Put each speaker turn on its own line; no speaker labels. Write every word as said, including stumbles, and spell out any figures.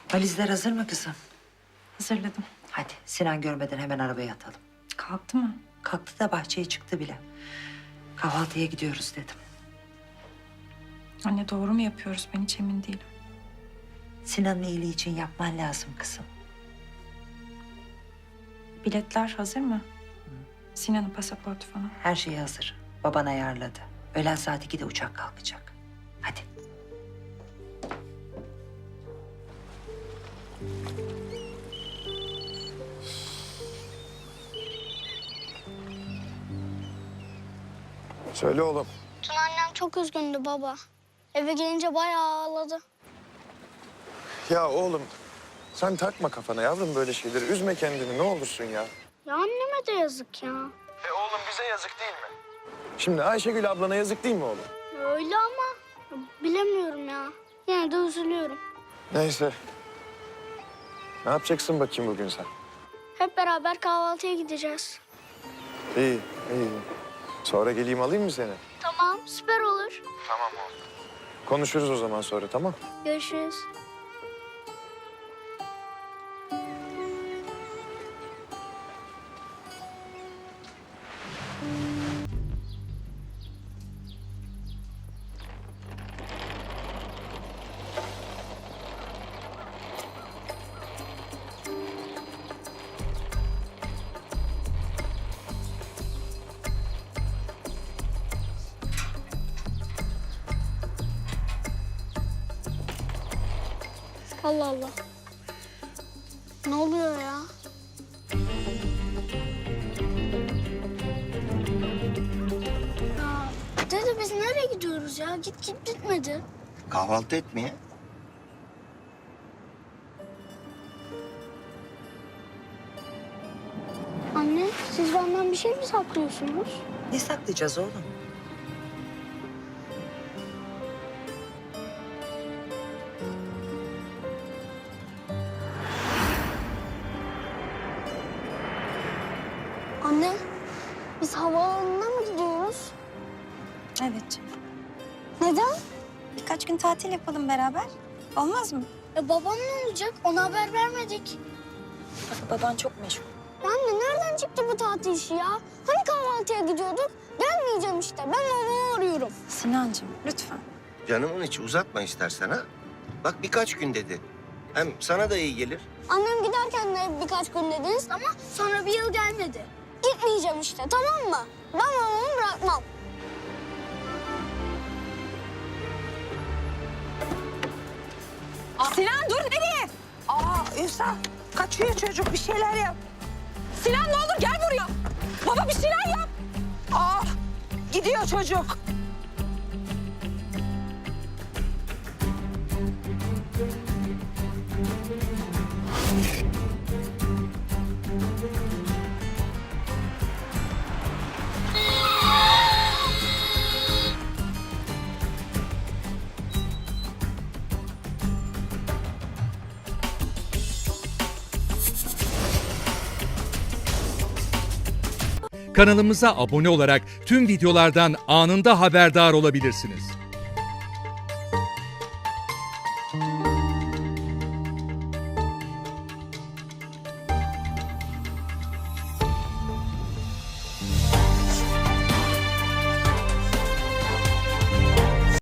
Valizler hazır mı kızım?
Hazırladım.
Hadi Sinan görmeden hemen arabaya atalım.
Kalktı mı?
Kalktı da bahçeye çıktı bile. Kahvaltıya gidiyoruz dedim.
Anne doğru mu yapıyoruz? Ben hiç emin değilim.
Sinan'ın iyiliği için yapman lazım kızım.
Biletler hazır mı? Sinan'ın pasaportu falan.
Her şey hazır. Baban ayarladı. Öğlen saat ikide uçak kalkacak. Hadi.
Söyle oğlum.
Dün annem çok üzgündü baba. Eve gelince bayağı ağladı.
Ya oğlum sen takma kafana yavrum böyle şeyleri. Üzme kendini ne olursun ya.
Ya anneme de yazık ya.
E oğlum bize yazık değil mi? Şimdi Ayşegül ablana yazık değil mi oğlum?
Öyle ama bilemiyorum ya. Yine de üzülüyorum.
Neyse. Ne yapacaksın bakayım bugün sen?
Hep beraber kahvaltıya gideceğiz.
İyi, iyi. Sonra geleyim alayım mı seni?
Tamam, süper olur.
Tamam oğlum. Konuşuruz o zaman sonra tamam?
Görüşürüz. Allah Allah. Ne oluyor ya? Ya dede biz nereye gidiyoruz ya? Git git bitmedi.
Kahvaltı etmeye.
Anne siz benden bir şey mi saklıyorsunuz?
Ne saklayacağız oğlum?
Anne biz havaalanına mı gidiyoruz?
Evet.
Neden?
Birkaç gün tatil yapalım beraber. Olmaz mı?
E babam ne olacak? Ona haber vermedik.
Bak baban çok meşgul.
Ya anne nereden çıktı bu tatil işi ya? Hani kahvaltıya gidiyorduk? Gelmeyeceğim işte. Ben babamı arıyorum.
Sinancığım lütfen.
Canımın içi uzatma istersen ha. Bak birkaç gün dedi. Hem sana da iyi gelir.
Annem giderken de birkaç gün dediniz ama sonra bir yıl gelmedi. Gitmeyeceğim işte tamam mı? Ben babamı bırakmam.
Sinan dur nereye?
Aa Ünsal kaçıyor çocuk bir şeyler yap.
Sinan ne olur gel buraya. Baba bir şeyler yap.
Aa gidiyor çocuk.
Kanalımıza abone olarak tüm videolardan anında haberdar olabilirsiniz.